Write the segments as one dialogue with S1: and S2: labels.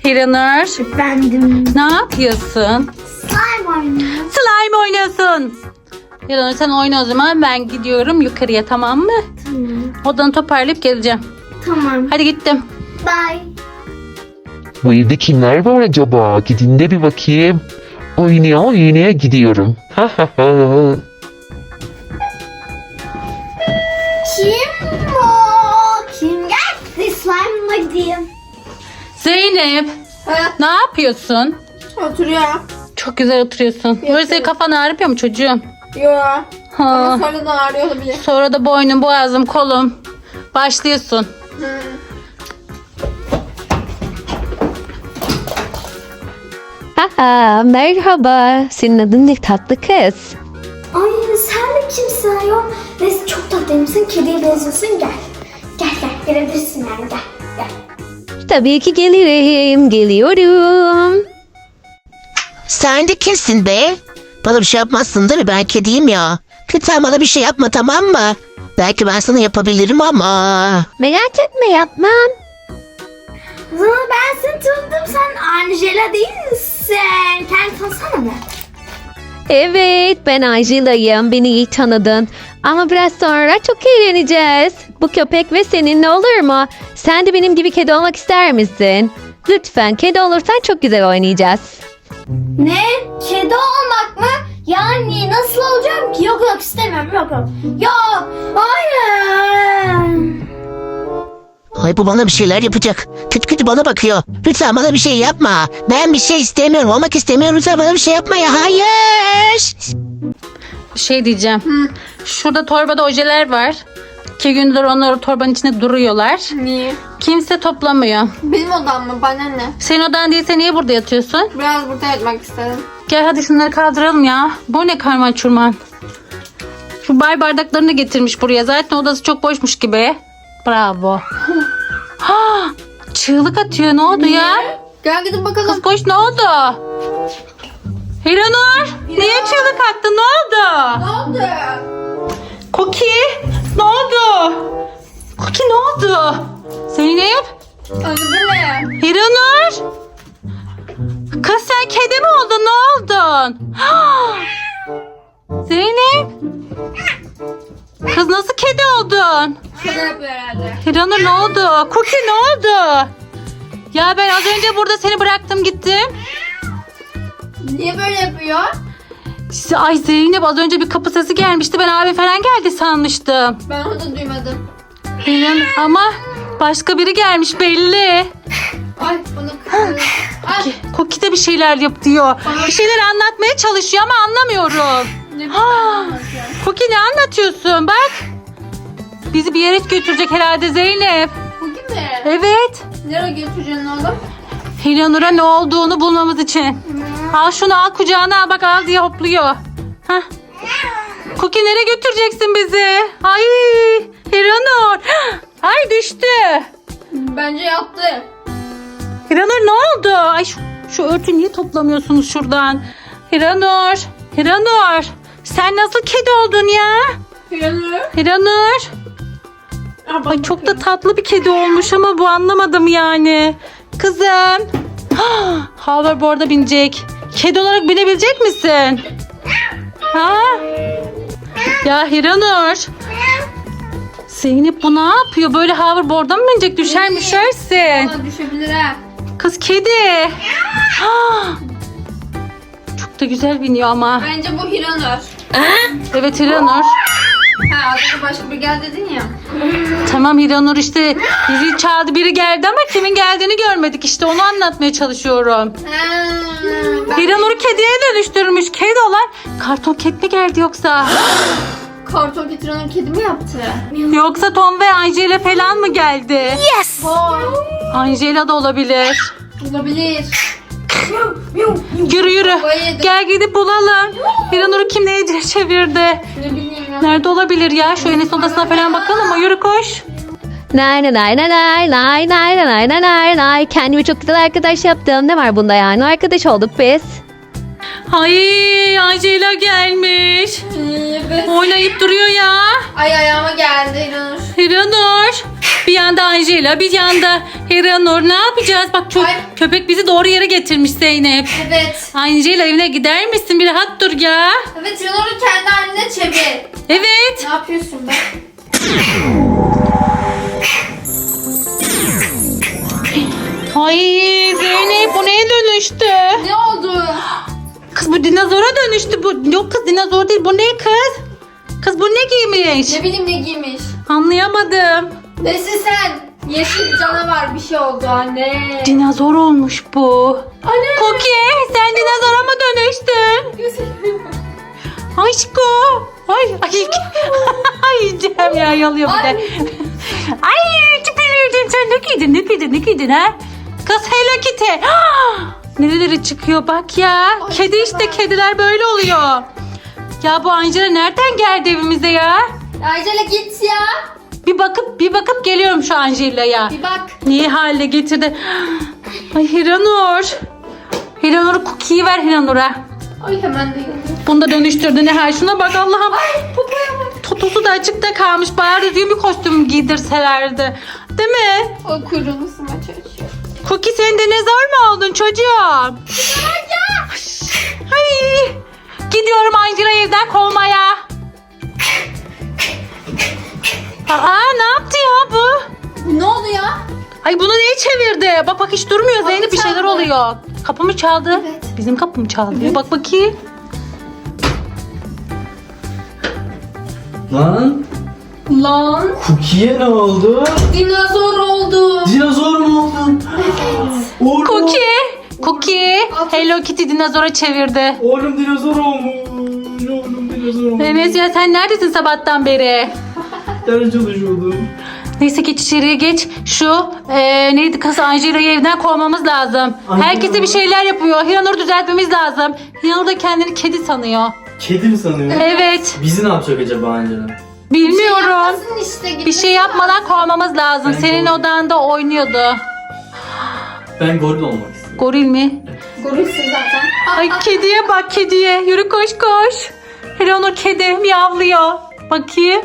S1: Hiranur,
S2: Efendim.
S1: ne yapıyorsun?
S2: Slime oynuyor.
S1: Slime oynuyorsun. Hiranur sen oyna o zaman, ben gidiyorum yukarıya, tamam mı?
S2: Tamam.
S1: Odanı toparlayıp geleceğim.
S2: Tamam.
S1: Hadi gittim.
S2: Bye.
S3: Bu evde kimler var acaba? Gidin de bir bakayım. Oynaya gidiyorum.
S2: Kim o? Kim geldi? Slime'la gideyim.
S1: Zeynep, ne yapıyorsun?
S4: Oturuyor.
S1: Çok güzel oturuyorsun. Böyle senin kafan ağrıyor mu çocuğum?
S4: Yo.
S1: Ha.
S4: Ama sonradan ağrıyor olabilir.
S1: Sonra da boynum, boğazım, kolum. Başlıyorsun.
S5: Aa, merhaba. Senin adın ne tatlı kız?
S2: Ay sen de kimsin ayol? Neyse çok tatlıymışsın. Kediye benziyorsun. Gel. Gel gelebilirsin yani gel.
S5: Tabii ki gelirim. Geliyorum.
S6: Sen de kimsin be? Bana bir şey yapmazsın değil mi? Ben kediyim ya. Lütfen bana bir şey yapma, tamam mı? Belki ben sana yapabilirim ama.
S5: Merak etme, yapmam.
S2: Ben seni tanıdım. Sen Angela değil misin? Kendini tanısana mı?
S5: Evet, ben Angela'yım. Beni iyi tanıdın. Ama biraz sonra çok eğleneceğiz. Bu köpek ve seninle olur mu? Sen de benim gibi kedi olmak ister misin? Lütfen kedi olursan çok güzel oynayacağız.
S2: Ne? Kedi olmak mı? Yani nasıl olacağım ki? Yok istemiyorum yok. Yok. Hayır.
S6: Ay bu bana bir şeyler yapacak. Kötü kötü bana bakıyor. Lütfen bana bir şey yapma. Ben bir şey istemiyorum. Olmak istemiyorum. Lütfen bana bir şey yapma ya. Hayır.
S1: Bir şey diyeceğim. Şurada torbada ojeler var. 2 gündür onlar torbanın içinde duruyorlar.
S4: Niye?
S1: Kimse toplamıyor.
S4: Benim odam mı? Bana ne?
S1: Senin odan değilse niye burada yatıyorsun?
S4: Biraz burada yatmak istedim.
S1: Gel hadi şunları kaldıralım ya. Bu ne karman çurman. Şu bay bardaklarını getirmiş buraya. Zaten odası çok boşmuş gibi. Bravo. Ha, çığlık atıyor. Ne oldu ya?
S4: Gel gidip bakalım.
S1: Kız koş, ne oldu? Hiranur, niye çığlık attın? Ne oldu?
S4: Ne oldu?
S1: Koki, ne oldu? Koki ne oldu? Zeynep,
S4: Öldü mi?
S1: Hiranur. Kız sen kedi mi oldun? Ne oldun? Zeynep. Kız nasıl kedi oldun?
S4: Şaka yapıyor herhalde.
S1: Hiranur ne oldu? Koki ne oldu? Ya ben az önce burada seni bıraktım gittim.
S4: Niye böyle yapıyor?
S1: Ay Zeynep, az önce bir kapı sesi gelmişti. Ben abi falan geldi sanmıştım.
S4: Ben onu da duymadım.
S1: Ama başka biri gelmiş belli.
S4: Ay bunu kırdım. Ay
S1: Koki de bir şeyler yap diyor. Bir şeyler anlatmaya çalışıyor ama anlamıyorum.
S4: ne
S1: Koki ne anlatıyorsun? Bak. Bizi bir yere götürecek herhalde Zeynep.
S4: Bugün mi?
S1: Evet.
S4: Nereye götüreceksin oğlum?
S1: Hiranur'a ne olduğunu bulmamız için. Al şunu, al kucağına al, bak al diye hopluyor. Hah. Koki nereye götüreceksin bizi? Ay Hiranur. Ay düştü.
S4: Bence yattı.
S1: Hiranur ne oldu? Ay şu örtü niye toplamıyorsunuz şuradan? Hiranur. Sen nasıl kedi oldun ya?
S4: Yanıyor.
S1: Hiranur. Ay çok da tatlı bir kedi olmuş ama bu, anlamadım yani. Kızım. Hoverboard'a binecek. Kedi olarak binebilecek misin? Ha? Ya Hiranur. Zeynep bu ne yapıyor? Böyle hoverboard'a mı binecek? Düşer düşersin.
S4: Bana düşebilir ha.
S1: Kız kedi. Çok da güzel biniyor ama.
S4: Bence bu Hiranur.
S1: Evet Hiranur.
S4: Ha az önce başka bir gel dedin ya.
S1: Tamam Hiranur, işte bizi çağırdı, biri geldi ama kimin geldiğini görmedik, işte onu anlatmaya çalışıyorum. Hiranur'u kediye dönüştürmüş. Kedi olan karton ket mi geldi yoksa?
S4: Karton getiren kedi mi yaptı?
S1: Yoksa Tom ve Angela falan mı geldi?
S4: Vay.
S1: Angela da olabilir.
S4: Olabilir.
S1: Yürü.
S4: Bayıldım.
S1: Gel gidip bulalım. Hiranur'u kim neye çevirdi?
S4: Ne bileyim ya.
S1: Nerede olabilir ya? Şu Enes odasına falan bakalım mı? Yürü koş.
S5: Nay nay nay nay nay nay nay nay nay nay nay. Kendime çok güzel arkadaş yaptım. Ne var bunda yani? Arkadaş olduk biz.
S1: Ay Angela gelmiş.
S4: Evet.
S1: Oynayıp duruyor ya.
S4: Ay ayağıma geldi İranur.
S1: Hiranur. Bir yanda Angela, bir yanda Hiranur. Ne yapacağız? Bak çok
S4: Ay.
S1: köpek bizi doğru yere getirmiş Zeynep.
S4: Evet.
S1: Angela evine gider misin? Bir rahat dur ya.
S4: Evet İranur'u kendi haline çevir.
S1: Evet.
S4: Ne yapıyorsun be?
S1: Ay Zeynep bu neye dönüştü?
S4: Ne oldu?
S1: Kız bu dinozora dönüştü. Bu yok kız dinozor değil. Bu ne kız? Kız bu ne giymiş?
S4: Ne bileyim ne giymiş.
S1: Anlayamadım.
S4: Nesin sen? Yeşil canavar bir şey oldu anne.
S1: Dinozor olmuş bu.
S4: Anne.
S1: Koki sen dinozora mı dönüştün? Aşko. Ay. Ay yiyeceğim ya yalıyor bir de. Ay tipiliydin sen ne giydin ha? Kız Hello Kitty. Nereleri çıkıyor bak ya.
S4: Ay,
S1: Kedi işte
S4: güzel.
S1: kediler böyle oluyor. Ya bu Angela nereden geldi evimize ya?
S4: Angela git ya.
S1: Bir bakıp geliyorum şu Angela'ya.
S4: Bir bak.
S1: Niye hale getirdi? Ay Hiranur. Hiranur Cookie'yi ver Hiranur'a.
S4: Ay hemen de yanıyor.
S1: Bunu da döndürdü ne her şuna bak Allah'ım.
S4: Popoya bak.
S1: Totosu da açıkta kalmış. Bayağı düzgün bir kostüm giydirselerdi. Değil mi?
S4: O kuyruğunu ısırmaya çalışıyor.
S1: Cookie sen dinozor mu oldun çocuğum? Ay. Gidiyorum Angela'yı evden kovmaya. Aa ne yaptı ya bu?
S4: Ne oldu ya?
S1: Ay bunu neye çevirdi? Bak hiç durmuyor
S4: Kapı
S1: Zeynep bir şeyler
S4: çaldı.
S1: oluyor. Kapı mı çaldı?
S4: Evet.
S1: Bizim kapı mı çaldı?
S4: Evet.
S1: Bak bakayım.
S7: Lan
S4: Lan.
S7: Cookie'ye ne oldu?
S4: Dinozor oldu.
S7: Dinozor mu oldun? Oğlum,
S1: Cookie. Hello Kitty dinozora çevirdi.
S7: oğlum dinozor olmuş. Oğlum dinozor olmuş.
S1: Enes ya sen neredesin sabahtan beri?
S7: Ders çalışıyordum.
S1: Neyse geç içeriye geç. Şu neydi kız Angela'yı evden kovmamız lazım.
S7: Angela
S1: Herkese
S7: mı?
S1: bir şeyler yapıyor. Hiranur'u düzeltmemiz lazım. Hiranur da kendini kedi sanıyor.
S7: Kedi mi sanıyor?
S1: Evet.
S7: Bizi ne yapacak acaba Angela?
S1: Bilmiyorum.
S4: Yapmasın işte.
S1: Bir şey yapmadan kovmamız lazım.
S7: Ben
S1: Senin
S7: goril.
S1: odanda oynuyordu.
S7: Ben goril olmak istiyorum.
S1: Goril mi?
S4: Gorülsün zaten.
S1: Ay kediye bak kediye. Yürü koş koş. Hiranur kedi miyavlıyor. Bakayım.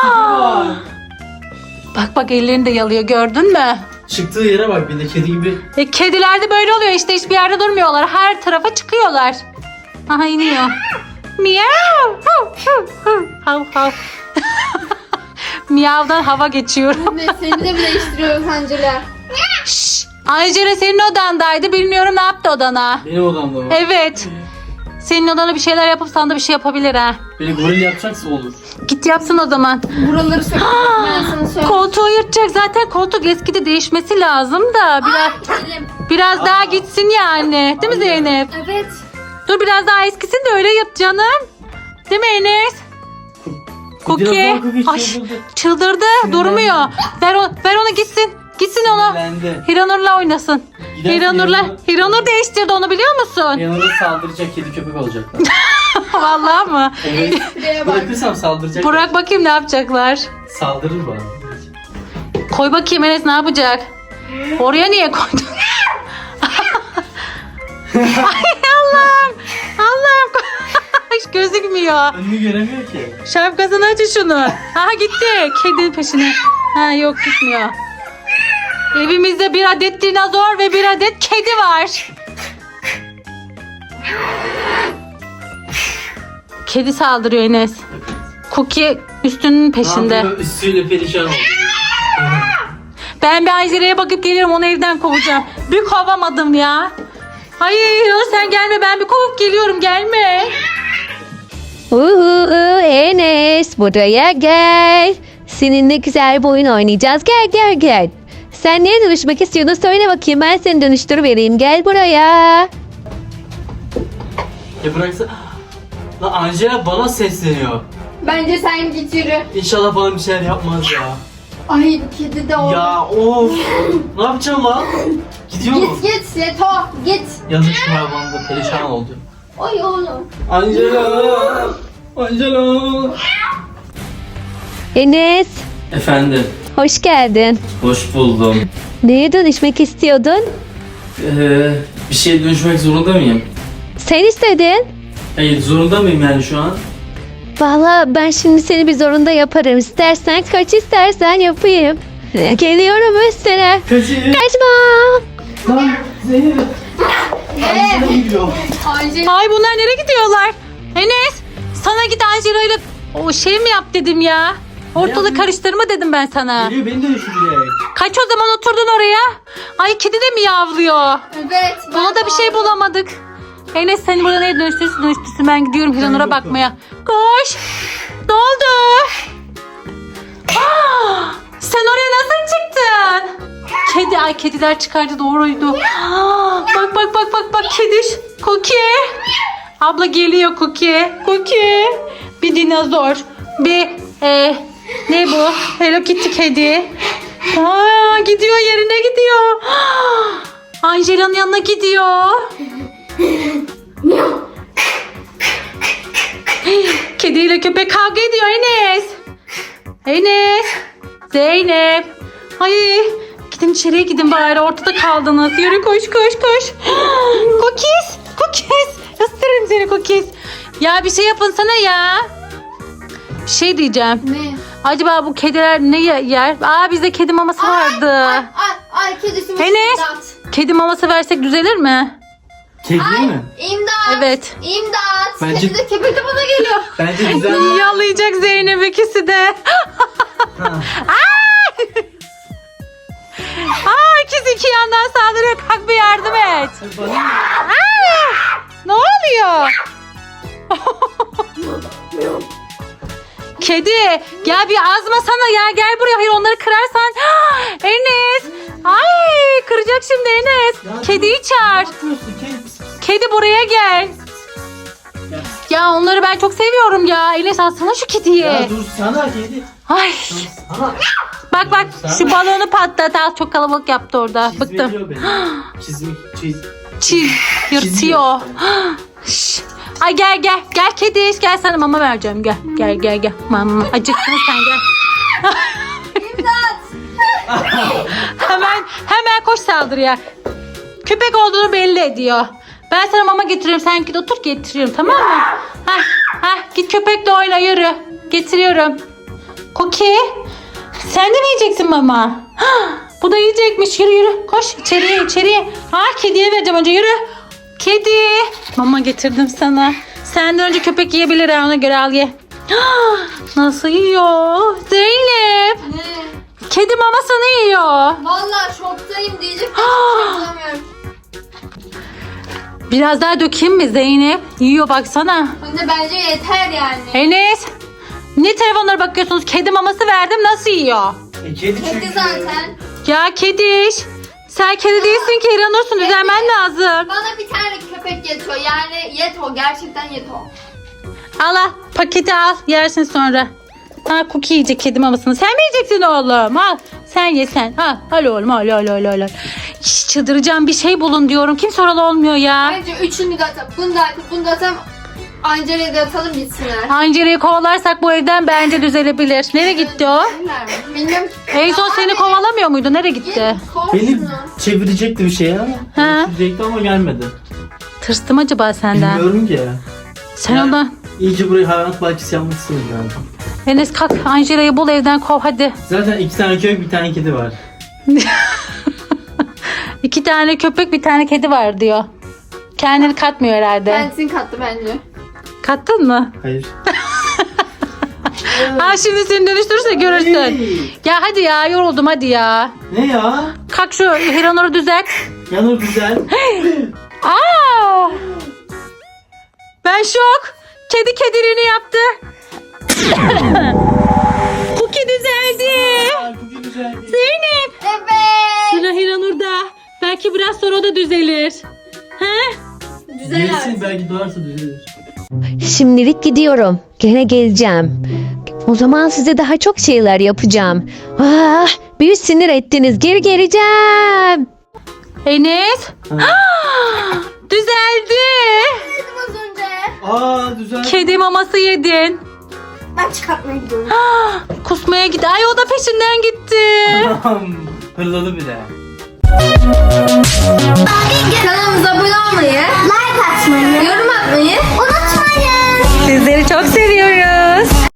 S1: Bak ellerini de yalıyor gördün mü?
S7: Çıktığı yere bak bir de kedi gibi.
S1: Kediler de böyle oluyor işte hiçbir yerde durmuyorlar. Her tarafa çıkıyorlar. Aha iniyor. Miyav. Hav hav. Miyavdan hava geçiyor.
S4: Anne seni de mi değiştiriyoruz Angela?
S1: Şşş. Angela senin odandaydı. Bilmiyorum ne yaptı odana.
S7: Benim odamda mı?
S1: Evet. Senin odana bir şeyler yapıp sana da bir şey yapabilir ha.
S7: Beni goril yapacaksa olur.
S1: Git yapsın o zaman.
S4: Buraları sökecek ben sana söyleyeyim.
S1: Koltuğu yırtacak zaten koltuk eskidi değişmesi lazım da biraz daha gitsin yani. Değil mi Zeynep?
S4: Evet.
S1: Dur biraz daha eskisin de öyle yap canım. Değil mi Enes? Cookie.
S7: Dinozor Cookie
S1: Ay,
S7: çıldırdı.
S1: çıldırdı durmuyor. Ver onu gitsin. Gitsin onu.
S7: Sinirlendi.
S1: Hiranur'la oynasın.
S7: Gidersin
S1: Hiranur değiştirdi onu biliyor musun?
S7: Yanına saldıracak kedi köpek olacaklar.
S1: Vallahi mı?
S7: Evet.
S4: Şuraya bak.
S7: Bırakırsam saldıracak.
S1: Burak bakayım ne yapacaklar.
S7: Saldırır bana.
S1: Koy bakayım Enes ne yapacak? Oraya niye koydun? Ay Allah'ım. Allah'ım. Hiç gözükmüyor.
S7: Önünü göremiyor ki.
S1: Şapkasını aç şunu. Aha gitti. Kedinin peşine. Ha yok gitmiyor. Evimizde bir adet dinozor ve bir adet kedi var. Kedi saldırıyor Enes. Cookie üstünün peşinde.
S7: Ne yapıyor? Üstüyle perişan oldu.
S1: Ben bir Angela'ya bakıp geliyorum onu evden kovacağım. Bir kovamadım ya. Hayır sen gelme ben bir kovup geliyorum gelme.
S5: Enes buraya gel. Seninle güzel bir oyun oynayacağız. Gel. Sen neye dönüşmek istiyordun söyle bakayım ben seni dönüştürüvereyim. Gel buraya.
S7: Ya bıraksa... Lan Angela bana sesleniyor.
S4: Bence sen git yürü.
S7: İnşallah bana bir şeyler yapmaz ya.
S4: Ay kedi de orada.
S7: Ya of. Ne yapacağım lan? Gidiyor mu?
S4: Git Seto git.
S7: Yazık şu hayvan da perişan oldu.
S4: Ay oğlum.
S7: Angela. Angela.
S5: Enes
S7: Efendim.
S5: hoş geldin.
S7: Hoş buldum.
S5: Neye dönüşmek istiyordun?
S7: Bir şeye dönüşmek zorunda mıyım?
S5: Sen istedin.
S7: Hayır zorunda mıyım yani şu an?
S5: Valla ben şimdi seni bir zorunda yaparım. İstersen kaç, istersen yapayım. Geliyorum üstüne.
S7: Kaçayım.
S5: Kaçma.
S7: Lan Zeynep. Angela gidiyor.
S4: Angela
S1: Ay bunlar nereye gidiyorlar? Enes sana git Angela ile o şey mi yap dedim ya. Ortalığı
S7: yapayım?
S1: karıştırma dedim ben sana.
S7: Geliyor beni de düşürecek.
S1: Kaç o zaman oturdun oraya? Ay kedi de mi yavruyor?
S4: evet.
S1: Buna da bir şey bulamadık. Enes seni burada neye dönüştürsün ben gidiyorum Hiranur'a
S7: yokum.
S1: bakmaya. Koş. Ne oldu? Aa, sen oraya nasıl çıktın? Kedi, ay kediler çıkardı doğruydu. Aa, bak kediş. Cookie. Abla geliyor Cookie. Cookie. Bir dinozor. Bir ne bu? Hello Kitty kedi. Aa, gidiyor yerine gidiyor. Aa, Angela'nın yanına gidiyor. Kediyle köpek kavga ediyor Enes. Enes. Zeynep. Ay gidin içeriye gidin bari ortada kaldınız. Yürü koş. Cookies. Isırırım seni Cookies. Ya bir şey yapın sana ya. Bir şey diyeceğim.
S4: Ne?
S1: Acaba bu kediler ne yer? Aa bizde kedi maması vardı.
S4: Ay kedisi mi?
S1: Enes.
S4: İmdat.
S1: Kedi maması versek düzelir mi?
S7: Kedi mi?
S4: İmdat.
S1: Evet.
S4: İmdat.
S7: Bence-
S4: Kedi de köpek de bana geliyor.
S7: Bence güzel.
S1: Yalayacak Zeynep ikisi de.
S7: Ha.
S1: Aa ikisi iki yandan saldırıyor. Kalk bir yardım et.
S7: Bana
S1: Ne oluyor? Kedi gel bir azmasana ya gel buraya hayır onları kırarsan. Enes ay kıracak şimdi Enes. Kediyi çağır.
S7: ne yapıyorsun?
S1: Kedi buraya gel.
S7: Gel.
S1: Ya onları ben çok seviyorum ya. Enes alsana şu kediyi.
S7: Ya dur sana kedi.
S1: Ay
S7: Sana.
S1: bak şu balonu patlat al çok kalabalık yaptı orada. Bıktım.
S7: Çizmeliyor beni.
S1: Çiz yırtıyor. Şş. Ay gel kedi gel sana mama vereceğim gel mama acıktın sen gel. hemen koş saldırıya. Köpek olduğunu belli ediyor. Ben sana mama getiriyorum sen git otur getiriyorum tamam mı? Git köpekle oyna yürü. Getiriyorum. Cookie sen de mi yiyeceksin mama? Bu da yiyecekmiş yürü koş içeriye. Kediye vereceğim önce yürü. Kedi. Mama getirdim sana. Senden önce köpek yiyebilir ha ona göre al ye. Nasıl yiyor? Zeynep.
S4: Ne?
S1: Kedi mamasını yiyor.
S4: Vallahi şoktayım diyecek bir şey bulamıyorum.
S1: Biraz daha dökeyim mi Zeynep? Yiyor baksana.
S4: Anne bence yeter yani.
S1: Enes. Ne telefonlara bakıyorsunuz? Kedi maması verdim nasıl yiyor?
S7: Kedi
S4: Kedi
S7: çünkü.
S4: zaten.
S1: Ya kediş. Sen kedi değilsin ki İranursun düzelmen lazım.
S4: Bana bir tane köpek yetiyor. Yani yeto. Gerçekten yeto.
S1: Al paketi al yersin sonra. Cookie yiyecek kedi mamasını. Sen mi yiyeceksin oğlum? Al sen ye sen. Al oğlum al. Hiç çıldıracağım bir şey bulun diyorum. Kimse oralı olmuyor ya.
S4: Bence üçünü de atalım. Bunu da atalım. Angela'ya da atalım gitsinler.
S1: Angela'yı kovalarsak bu evden bence düzelebilir. Nereye gitti o?
S4: Bilmiyorum.
S1: En son seni kovalamıyor muydu? Nereye gitti?
S7: Beni çevirecekti bir şey ama.
S1: Ha.
S7: Çevirecekti ama gelmedi.
S1: Tırstım acaba senden?
S7: Bilmiyorum ki.
S1: Sen
S7: Yani-
S1: ondan...
S7: İyice burayı hayvanat bahçesi yapmak istedim yani.
S1: Enes kalk Angela'yı bul evden kov hadi.
S7: Zaten 2 tane köpek bir tane kedi var.
S1: 2 tane köpek bir tane kedi var diyor. Kendini katmıyor herhalde.
S4: Kendisini kattı bence.
S1: Kattın mı?
S7: Hayır.
S1: Şimdi seni dönüştürürse görürsün.
S7: Hey!
S1: Ya hadi ya yoruldum hadi ya.
S7: Ne ya?
S1: Kalk şu Hiranur'u düzelt.
S7: Yanır güzel.
S1: Aa! Ben şok. Kedi kediliğini yaptı. Cookie düzeldi.
S7: Bugün güzel.
S1: Zeynep.
S4: Evet.
S1: Sıra Hiranur'da. Belki biraz sonra o da düzelir. He?
S7: Gelsin belki doğarsa düzelir.
S5: Şimdilik gidiyorum. Gene geleceğim. O zaman size daha çok şeyler yapacağım. Bir sinir ettiniz. Geri geleceğim.
S1: Enes. Düzeldi.
S4: Dedim az önce.
S7: Güzel.
S1: Kedi maması yedin.
S2: Ben çıkartmaya gidiyorum.
S1: Kusmaya gitti. Ay o da peşinden gitti.
S7: Hırladı bir de.
S4: Kanalımıza abone olmayı,
S2: Like atmayı,
S4: Yorum atmayı
S2: unutmayın.
S1: Sizleri çok seviyoruz.